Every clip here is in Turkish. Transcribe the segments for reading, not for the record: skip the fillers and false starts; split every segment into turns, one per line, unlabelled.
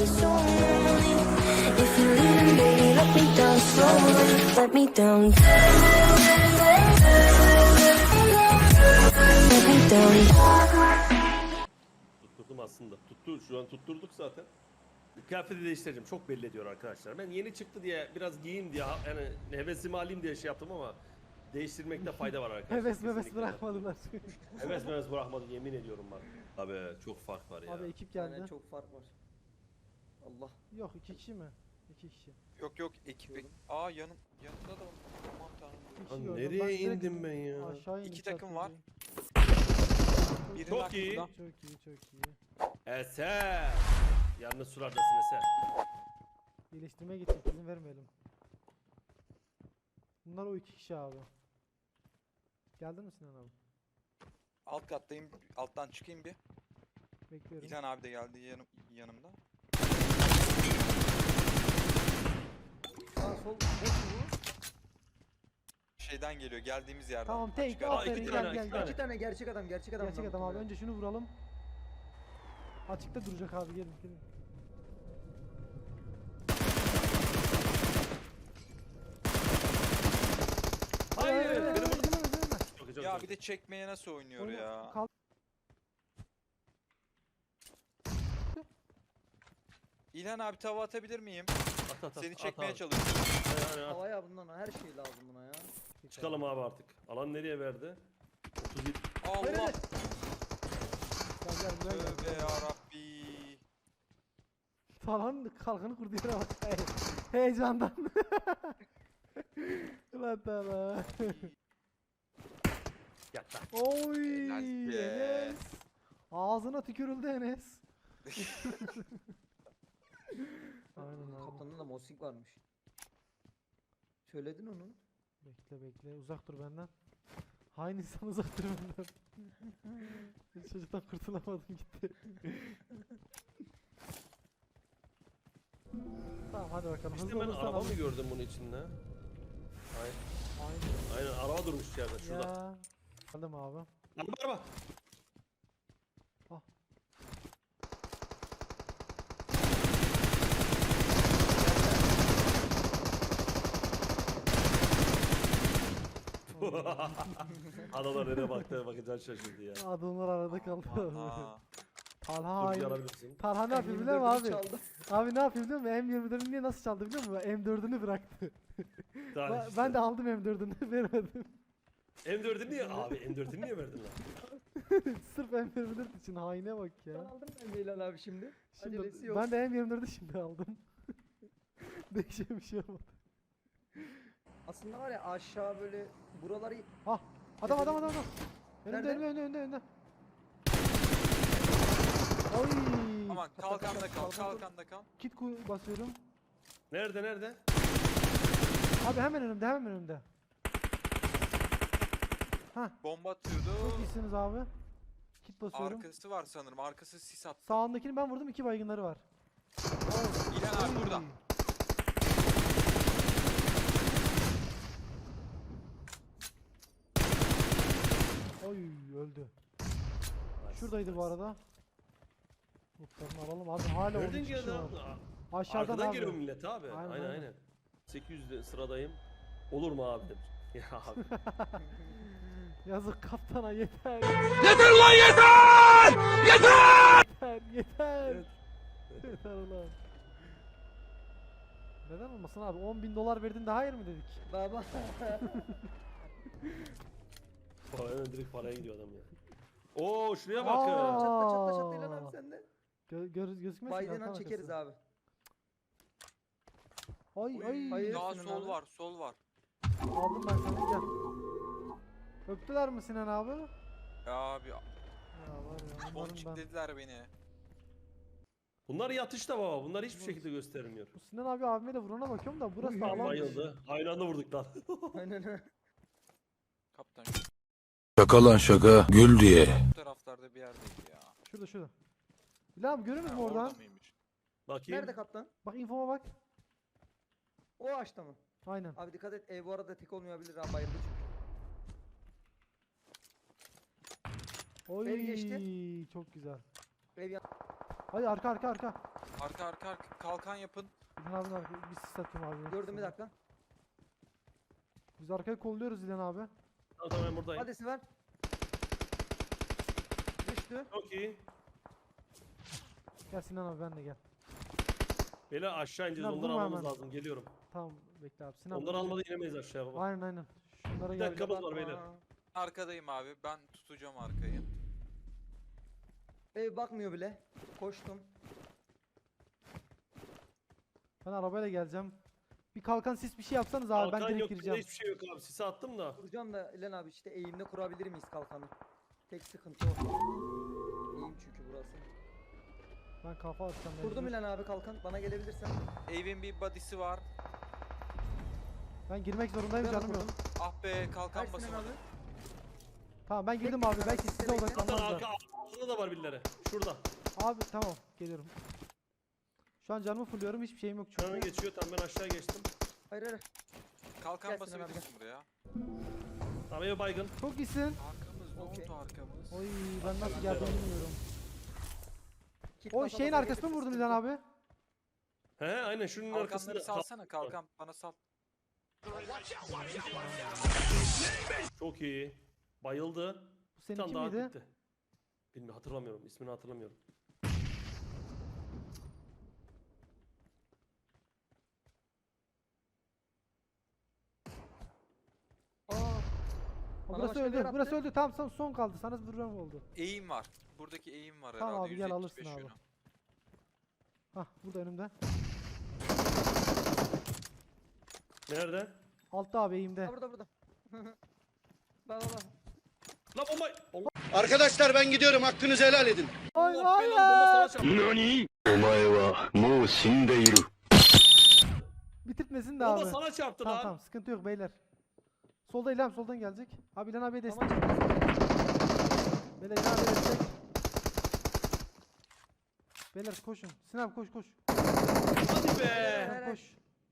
be so lonely. If you're leaving, baby, let me down slowly. Let me down. Let me down.
Tutturdum aslında. Şu an tutturduk zaten. Kıyafeti değiştireceğim. Çok belli ediyor arkadaşlar. Ben yeni çıktı diye biraz giyeyim diye yani hevesimi alayım diye şey yaptım ama değiştirmekte fayda var arkadaşlar.
Heves bırakmadılar.
Heves bırakmadı yemin ediyorum bak. Abi çok fark var ya.
Abi ekip geldi.
Aynen çok fark var. Allah.
Yok 2 kişi mi? 2 kişi.
Yok ekip. Aa yanımda da var. Aman tanrım.
İki kişi
Lan
gördüm.
nereye
Ben direkt
indim ben ya?
Aşağı indim.
İki takım var. Biri
Çok iyi.
aklımda.
Çok iyi.
Eser. Yalnız sulardasın Eser.
İyileştirmeye gidecek, izin vermeyelim. Bunlar o 2 kişi abi. Geldin mi Sinan abi?
Alt kattayım. Alttan çıkayım bir.
Bekliyorum.
İlhan abi de geldi yanımda.
Sağ sol boş mu?
Şeyden geliyor geldiğimiz yerden.
Tamam, tek,
Açık ara.
aferin,
iki
gel,
tane,
gel,
iki
gel.
tane.
İki tane gerçek adam
Gerçek adam abi. Önce şunu vuralım. Açıkta duracak abi, gelin.
Hayır.
Öyle.
Çok iyi, çok
Ya
güzel.
bir de çekmeye nasıl oynuyor ya? İlhan abi tava atabilir miyim?
At,
Seni
at
çekmeye
abi.
çalışıyorum.
Aynen, at.
Havaya bundan her şey lazım buna ya.
Çıkalım abi artık. Alan nereye verdi? 37.
Allah.
Gel.
Gel buraya gel.
Tövbe yarabbi.
Falan kalkanı kurdu yere bak. Heyecandan. Ulan Tala.
Yat lan.
Oy
Helal be.
Enes. Ağzına tükürüldü Enes. Aynen abi.
Kaptanında da Mossing varmış. Söyledin onu.
Bekle uzak dur benden. Hain insan uzak dur benden. Çocuktan kurtulamadım gitti. Tamam hadi bakalım.
İşte
Hızlı
ben
olursan
araba mı
alırız.
gördüm bunun içinde? Aynen.
Aynen.
Aynen araba durmuş yerde şurada.
Ya. Aldım abi.
Araba.
Ah.
Adamlar nereye baktı bakacağın şaşırdı ya.
Adamlar arada kaldı.
Aa.
Talha
Dur
hain.
yarabilirsin.
Talha ne yapıyor biliyor musun abi? Abi ne yapıyor biliyor musun? M24'ünü niye nasıl çaldı biliyor musun? M4'ünü bıraktı. Ben de aldım M4'ünü vermedim.
M4'ü niye? Abi M4'ü niye verdin lan?
Sırf M24 için haine bak
Ben
ya.
aldım ben Leylan abi şimdi. Acelesi
Şimdi
yok.
ben de M24'ü şimdi aldım. Değişen bir şey olmadı.
Aslında var ya aşağı böyle buraları
Ah adam. Önünde
Nerede?
önünde. Oy.
Aman kalkanda kal.
Kit basıyorum.
Nerede?
Abi hemen önümde. Hah
Bomba atıyordu.
çok iyisiniz abi. Kit basıyorum.
Arkası var sanırım. Arkası sis attı.
Sağındakini ben vurdum, 2 baygınları var.
İlhan abi burada.
Oy öldü. Şuradaydı bu arada. Lootlarını alalım abi, hala 13
Nereden
kişi
geldi
var.
abi?
Aşağıdan
Arkadan
abi.
geliyor millet abi. Aynen. 800'de sıradayım. Olur mu abi demiş. Ya abi.
Yazık kaptana, yeter.
Yeter lan yeter! Yeter!
Yeter.
Evet.
Yeter ulan. Neden olmasın abi? 10.000 dolar verdin de hayır mı dedik?
baba.
Hemen direkt paraya gidiyor adam ya. Oo şuraya
Aa.
bakın.
Çatla Leylan abi sende.
Gözükmez.
Biden'dan çekeriz abi.
Ay ay.
Hayır.
Daha
Sinan
sol
abi.
var.
Aldım ben seni, gel. Öptüler mi Sinan abi?
Ya abi
Ya var ya, umarım
ponçik
ben.
dediler beni.
Bunlar yatışta baba. Bunlar hiçbir şekilde göstermiyor.
Bu Sinan abi abime de vurana bakıyorum da burası da alan.
Bayıldı. Aynı anda vurduk lan.
Aynen.
Kaptan
Şaka lan şaka gül diye.
şu taraflarda bir yerdeydi ya.
Şurada. Bilal abi görüyor musun
Ha,
oradan?
orada mıymış?
Bakayım.
Nerede kaptan?
Bak infoma bak.
O ağaçta mı?
Aynen.
Abi dikkat et, ev bu arada tek olmayabilir ha, bayıldı çünkü.
Oy
Ev geçti.
çok güzel.
Ev yan...
Hadi arka.
Arka arka kalkan yapın.
İlhan abinin arka. Bir sis atayım abi.
Gördüm bir dakika.
Biz arkayı kolluyoruz İlhan abi.
Tamam ben buradayım.
Hadi Sinan. Düştü.
Çok iyi.
Gel Sinan abi ben de gel.
Beyler aşağı ineceğiz.
Sinan,
Onları
vurma
almamız
hemen.
lazım. Geliyorum.
Tamam bekle abi. Sinan.
Onları almadan inemeyiz aşağıya baba.
Aynen. Şunlara
Bir
gel.
dakikamız var beyler.
Arkadayım abi. Ben tutacağım arkayı.
Ev bakmıyor bile. Koştum.
Ben arabayla geleceğim. Bir kalkan sis bir şey yapsanız abi ben
Kalkan
direkt
yok.
gireceğim.
Hiçbir şey yok abi. Sisi attım da.
Kuracağım da İlhan abi işte eğimde kurabilir miyiz kalkanı? Tek sıkıntı o. Eğim çünkü burası.
Ben kafa atacağım.
Kurdum
mecbur.
İlhan abi kalkan. Bana gelebilirsen.
Evin bir body'si var.
Ben girmek zorundayım
Ben
canım yok.
kurdum.
Ah be kalkan
Kaç Sinan
basamadım.
abi?
Tamam ben girdim abi. Belki size
Hatta
odaklanmaz
arka
da.
altında da var birileri. Şurada.
Abi tamam geliyorum. Şu an canımı fulluyorum. Hiçbir şeyim yok
Canı
çünkü.
geçiyor. Tamam ben aşağı geçtim.
Hayır.
Kalkan
Gel Sinan abi,
basabilirsin buraya.
Tamam ev baygın.
Çok iyisin.
Arkamız ne
Okey.
oldu arkamız?
Oy ben nasıl geldim bilmiyorum.
Kit
O
basa
şeyin
basa
arkasına mı
gelirse
vurdun
sıkıntı.
İlhan abi?
He aynen şunun arkasında.
Kalkanları salsana kalkan bana sal.
Çok iyi. Bayıldı.
Bu
Bir tane
seninki
daha
miydi?
gitti. Bilmiyorum hatırlamıyorum. İsmini hatırlamıyorum.
Aa,
O
Bana
burası
başka bir
öldü.
yer
Burası
attı.
öldü. Tamam son kaldı. Sana vuran oldu.
Eğim var. Buradaki eğim var
Tamam
herhalde.
abi, gel alırsın
175
abi.
yönü.
Hah burada önümde.
Nerede?
Altta abi eğimde.
Ha, burada. Bak.
La bomba! Allah
Arkadaşlar ben gidiyorum, hakkınızı helal edin.
Ay
belanı
ay
bomba sana
ay.
çarptı.
何お前はもう死んでいる。
Bitirtmesin de
Bomba
abi.
sana çarptı
Tamam
lan.
tamam sıkıntı yok beyler. Solda İlhan soldan gelecek. Abi İlhan abiye destek.
Tamam.
Beyler İlhan abiye destek. Beyler koşun. Sinan koş.
Hadi be.
Evet.
Koş.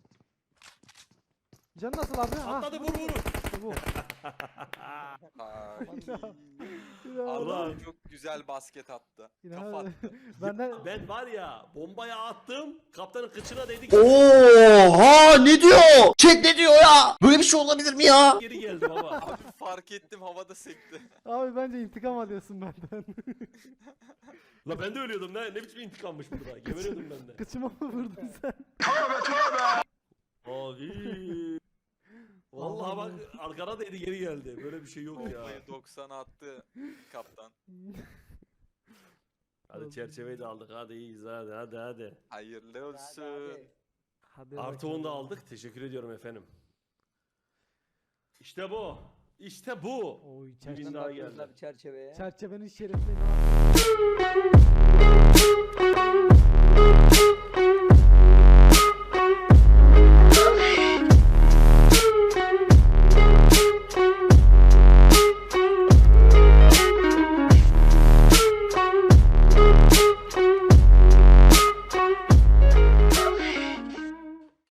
Canı nasıl abi?
Atladı vur vur.
İşte bu.
Ay.
İlhan
Allah.
Adam çok güzel basket attı.
İlhan
Kafa
abi.
attı.
Benden
Ben var ya bombaya attım. Kaptanın kıçına değdik.
Oha ne diyor? Chat ne diyor ya? Böyle bir şey olabilir mi ya?
Geri geldi baba.
Abi fark ettim havada sekti.
abi bence intikam alıyorsun benden.
La ben de ölüyordum. Ne biçim intikammış burada. Geberiyordum ben de.
Kıçıma mı vurdun sen?
Abi. Vallahi bak arkana değdi geri geldi. Böyle bir şey yok ya.
Bombayı 90'a attı kaptan.
Hadi çerçeveyi de aldık. Hadi iyiyiz hadi.
Hayırlı olsun.
Hadi
Artı 10 da aldık. Teşekkür ediyorum efendim. İşte bu. İşte bu.
Oy
Bir
çerçeve.
bin daha geldi.
Bir çerçeveye.
Çerçevenin şerefine ne yapıyorsun?